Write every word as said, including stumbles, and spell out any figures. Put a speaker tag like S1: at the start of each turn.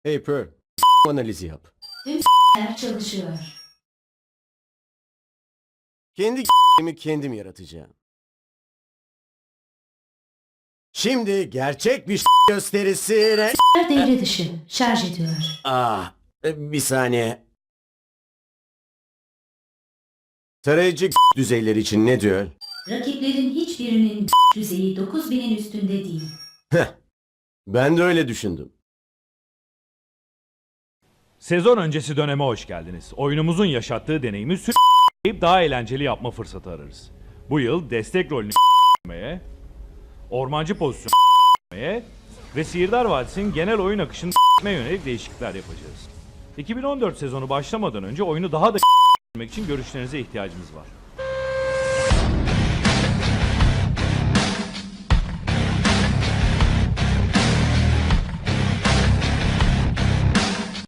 S1: Hey Pearl, analizi yap.
S2: Tüm çalışıyor.
S1: Kendi mi kendim yaratacağım. Şimdi gerçek bir gösterisine...
S2: Devre dışı. Şarj ediyor.
S1: Ah, bir saniye. Tarayıcı düzeyleri için ne diyor?
S2: Rakiplerin hiçbirinin düzeyi dokuz binin üstünde değil.
S1: Heh, ben de öyle düşündüm.
S3: Sezon öncesi döneme hoş geldiniz. Oyunumuzun yaşattığı deneyimi sürekli daha eğlenceli yapma fırsatı ararız. Bu yıl destek rolünü ormancı pozisyonu ve Sihirdar Vadisi'nin genel oyun akışını yönelik değişiklikler yapacağız. iki bin on dört sezonu başlamadan önce oyunu daha da için görüşlerinize ihtiyacımız var.